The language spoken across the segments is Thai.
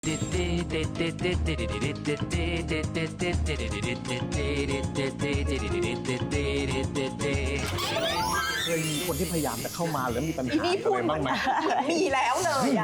เคยมีคนที่พยายามจะเข้ามาแล้วมีปัญหานี่พูดอะไรบ้างไหมมีแล้วเลยอ่ะ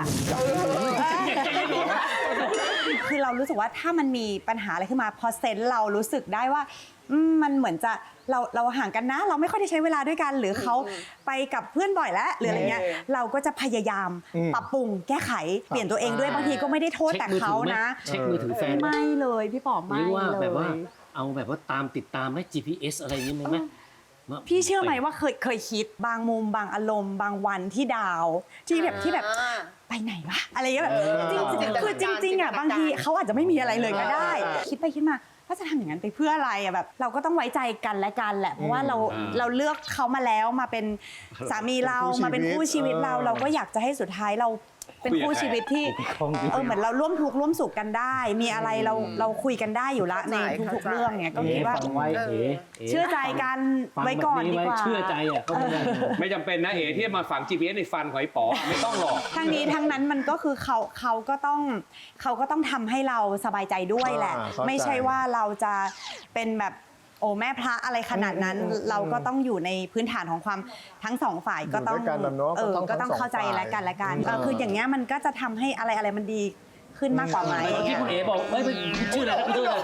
คือเรารู้สึกว่าถ้ามันมีปัญหาอะไรขึ้นมาพอเซนส์เรารู้สึกได้ว่ามันเหมือนจะเราห่างกันนะ เราไม่ค่อยได้ใช้เวลาด้วยกัน หรือเขาไปกับเพื่อนบ่อยแล้วหรืออะไรเงี้ยเราก็จะพยายามปรับปรุงแก้ไขเปลี่ยนตัวเองด้วยบางทีก็ไม่ได้โทษแต่เขานะเช็คมือถือแฟนไหมไม่เลยพี่ป๋อหไม่รือว่าเลแบบว่าย เอาแบบว่าติดตามไหม GPS อะไรอย่างนี้ไหมพี่เชื่อไหมว่าเคยคิดบางมุมบางอารมณ์บางวันที่ดาวที่แบบไปไหนวะอะไรอย่างเงี้ยแบบจริงคือจริงๆอ่ะบางทีเขาอาจจะไม่มีอะไรเลยก็ได้ คิดไปคิดมาว่าจะทำอย่างนั้นไปเพื่ออะไรอ่ะแบบเราก็ต้องไว้ใจกันและกันแหละเพราะว่าเราเลือกเขามาแล้วมาเป็นสามีเรามาเป็นคู่ชีวิตเราก็อยากจะให้สุดท้ายเราเป็นคู่ชีวิตที่เหมือนเราร่วมทุกข์ร่วมสุขกันได้ มีอะไรเราคุยกันได้อยู่ละในทุกๆเรื่องเนี่ยก็คิดว่าฟังไว้เชื่อใจกันไว้ก่อนดีกว่าเชื่อใจอ่ะเขาไม่ได้ไม่จำเป็นนะเอ๋ที่มาฝัง GPS ในฟันของไอ้ป๋อไม่ต้องหรอกทั้งนี้ทั้งนั้นมันก็คือเขาก็ต้องทำให้เราสบายใจด้วยแหละ ไม่ใช่ว่าเราจะเป็นแบบโอ้แม่พระอะไรขนาดนั้น เราก็ต้องอยู่ในพื้นฐานของความทั้งสองฝ่ายก็ต้องก็ต้องเข้าใจและกันคืออย่างเงี้ยมันก็จะทำให้อะไรมันดีขึ้นมากกว่าไหมที่คุณเอ๋บอกไม่ชื่ออะไรชื่ออะไร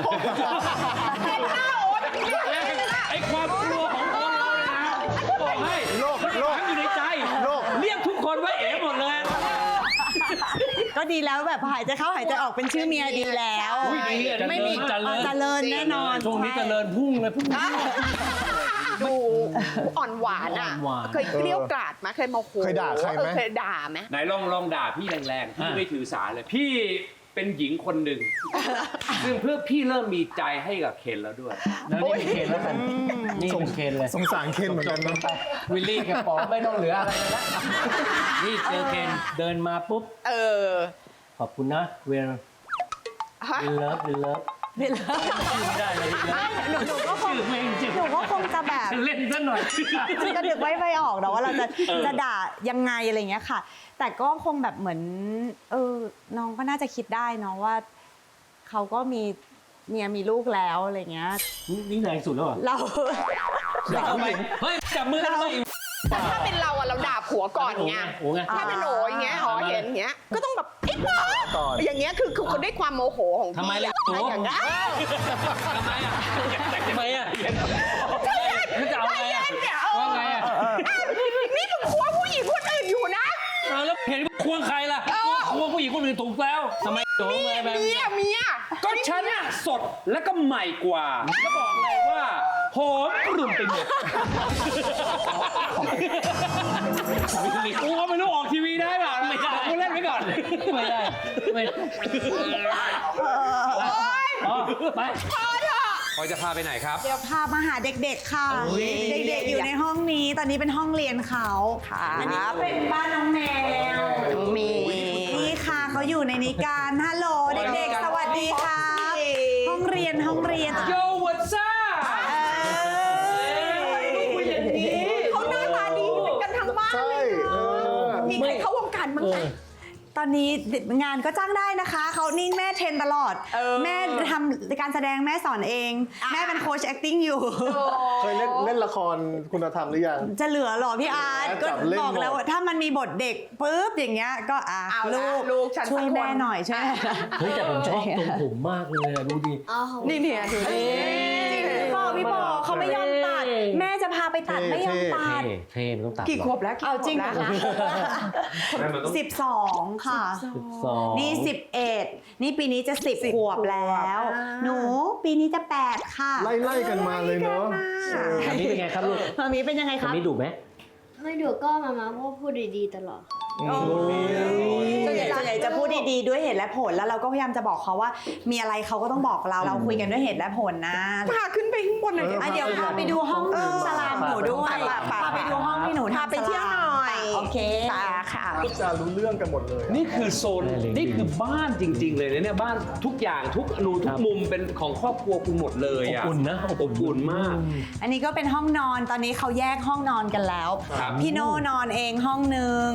ไอ้ความกลัวของคนเราเลยนะบอกให้โลกอยู่ในใจเรียกทุกคนว่าเอ๋หมดเลยก็ดีแล้วแบบหายใจเข้าหายใจออกเป็นชื่อเมียดีแล้ว ไม่มีเจริญแน่นอนช่วงนี้เจริญพุ่งเลยพุ่งดูอ่อนหวานอ่ะอ่อนหวานเคยเกลี้ยวกราดไหมเคยโมโหเคยด่าใครไหมเคยด่าไหมไหนลองด่าพี่แรงๆพี่ไม่ถือสาเลยพี่เป็นหญิงคนหนึ่งซึ่งเพื่อพี่เริ่มมีใจให้กับเคนแล้วด้วยแล้วนี่เป็นเคนแล้วกันนี่เป็นเคนเลยสงสารเคนเหมือนกันนะวิลลี่กับป๋อไม่ต้องเหลืออะไรเลยละนี่เจอเคนเดินมาปุ๊บขอบคุณนะเวลเลิฟไม่ได้เลยหนูก็คงจะแบบเล่นซะหน่อยก็นึกไม่ออกนะว่าเราจะด่ายังไงอะไรเงี้ยค่ะ แต่ก็คงแบบเหมือนน้องก็น่าจะคิดได้เนาะว่าเขาก็มีเมียมีลูกแล้วอะไรเงี้ยนี่แรงสุดแล้วเหรอเราเฮ้ยจับมือกันไปถ้าเป็นเราอะเราด่าผัวก่อนไงโอ้ไงถ้าเป็นโหอย่างเงี้ยเห็นอย่างเงี้ยก็ต้องแบบไอ้ผัวอย่างเงี้ยคือคนด้วยความโมโหของพี่ทำไมล่ะอย่างเงี้ยทำไมอ่ะจะเอาไงอ่ะว่าไงอ่ะนี่มึงควงผู้หญิงคนอื่นอยู่นะแล้วเห็นควงใครล่ะควงผู้หญิงคนอื่นถูกแล้วทำไมโดนอะไรแบบเมียก็ฉันอะสดและก็ใหม่กว่าแล้วบอกเลยว่าหอมกลุ่มไปหมดกูก็ไม่รู้ออกทีวีได้เปล่าไม่ได้กูเล่นไว้ก่อนไม่ได้ไปพอจะพาไปไหนครับเดี๋ยวพามาหาเด็กๆค่ะ เด็กๆอยู่ในห้องนี้ตอนนี้เป็นห้องเรียนเขาอันนี้เป็นบ้านน้องแมวนี่ค่ะเขาอยู่ในนี้กันฮัลโหลเด็กๆสวัสดีครับห้องเรียนโยวัตซ่าเขาหน้าตาดีกันทั้งบ้านเลยมีใครเข้าวงการมั้งไหมตอนนี้งานก็จ้างได้นะคะเขานี่แม่เทรนตลอดแม่ทำการแสดงแม่สอนเองแม่เป็นโค้ช acting อยู่เคยเล่นละครคุณธรรมหรือยังจะเหลือหรอพี่อาร์ตก็บอกแล้วถ้ามันมีบทเด็กปุ๊บอย่างเงี้ยก็ลูกช่วยแม่หน่อยช่วยเฮ้ยแต่ผมชอบตรงผมมากเลยดูดินี่เนี่ยดูดิพี่บอกเขาไม่ยอมตัดแม่จะพาไปตัดไม่ยอมตัดเท่มันต้องตัดกี่ขวบแล้วเอาจริงเหรอคะ12 ค่ะนี่11นี่ปีนี้จะ10 ขวบแล้วหนูปีนี้จะ8 ค่ะไล่กันมาเลยเนาะอันนี้เป็นไงครับลูกมามีเป็นยังไงครับอันนี้ดุไหมไม่ดุก็มาก็พูดดีๆตลอดส่วนใหญ่จะพูดดีๆด้วยเหตุและผลแล้วเราก็พยายามจะบอกเขาว่ามีอะไรเขาก็ต้องบอกเราคุยกันด้วยเหตุและผลนะพาขึ้นไปข้างบนหน่อยเดี๋ยวพาไปดูห้องสลามหนูด้วยพาไปดูห้องที่หนูพาไปเที่ยวหน่อยโอเคค่ะพูดจารู้เรื่องกันหมดเลยนี่คือโซนนี่คือบ้านจริงๆเลยนะเนี่ยบ้านทุกอย่างทุกอนูทุกมุมเป็นของครอบครัวกูหมดเลยอ่ะอบอุ่นนะอบอุ่นมากอันนี้ก็เป็นห้องนอนตอนนี้เขาแยกห้องนอนกันแล้วพี่โน่นอนเองห้องนึงพี่ต้า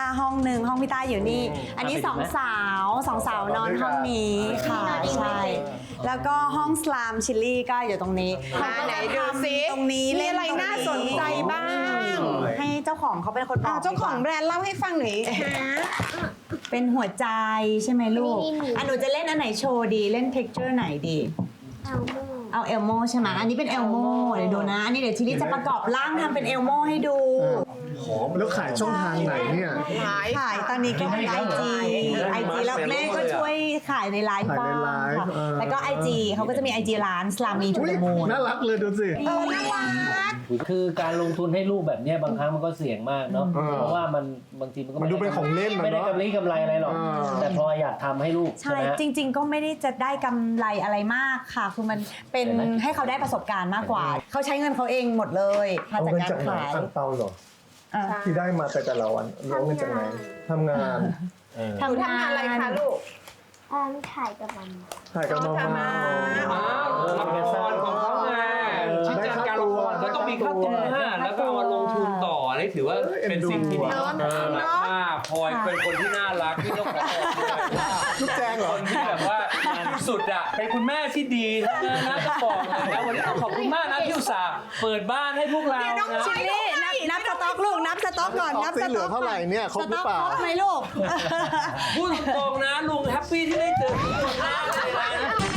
ห้องหนึ่งห้องพี่ต้าอยู่นี่ อันนี้สองสาวนอนห้องนี้ค่ะใช่แล้วก็ห้องสลามชิลลี่ก็อยู่ตรงนี้ไหนดูซิตรงนี้มีอะไรน่าสนใจบ้างให้เจ้าของเขาเป็นคนบอกเจ้าของแบรนด์เล่าให้ฟังหน่อยฮะเป็นหัวใจใช่ไหมลูกไม่มีหนูจะเล่นอันไหนโชว์ดีเล่นเท็กเจอร์ไหนดีเอาโม่เอาเอลโมใช่ไหมอันนี้เป็นเอลโมเดี๋ยวดูนะอันนี้เดี๋ยวชิลลี่จะประกอบร่างทำเป็นเอลโมให้ดูหอมแล้วขายช่องทางไหนเนี่ยขายตอนนี้ก็มีไอจีแล้วแม่ก็ช่วยขายในไลฟ์บ้างขายในไลฟ์ค่ะแล้วก็ไอจีเขาก็จะมีไอจีร้านสลามีทูอุ๊ยเดมูนน่ารักเลยดูสิน่ารักคือการลงทุนให้ลูกแบบเนี้ยบางครั้งมันก็เสี่ยงมากเนาะ เพราะว่ามันบางทีมันก็มันดูเป็นของเล่นอะเนอะไม่ได้กำไรอะไรหรอก แต่พออยากทำให้ลูกใช่ไหมฮะจริง ๆ ก็ไม่ได้จะได้กำไรอะไรมากค่ะ คือมันเป็นเห็นไหมให้เขาได้ประสบการณ์มากกว่า เขาใช้เงินเขาเองหมดเลยมาเอาจากเงินการจากไหนขายอังเปาเหรออ่ะที่ได้มาแต่ละวันเอาเงินจากไหนทำงานหนูทำงานอะไรคะลูกถ่ายกับมันถ่ายกับน้องทำมาอ้าวละครของเขาไงชิ้นจัดการละครก็ต้องมีค่าตัวแล้วก็เอามาลงทุนต่อนี่ถือว่าเป็นสิ่งที่ดีเนอะน่ารักมากพลอยเป็นคนที่น่ารักที่ต้องขอบอกเลยว่าลูกแจงเหรคอนที่แบบว่าสุดอ่ะเป็นคุณแม่ที่ดีนะต้องบอกเลยนะวันนี้ต้องขอบคุณมากนะที่อุตส่าห์เปิดบ้านให้พวกเรานะชิลลี่นับสต็อกลูกนับสต็อกก่อนนับสเหลืต็ออก เท่าไหร่เนี่ยครบหรือเปล่าสต็อกครบไหมลูกพูดตรงๆนะลุงแฮปปี้ที่ได้เจอทุกคนมากเลยนะ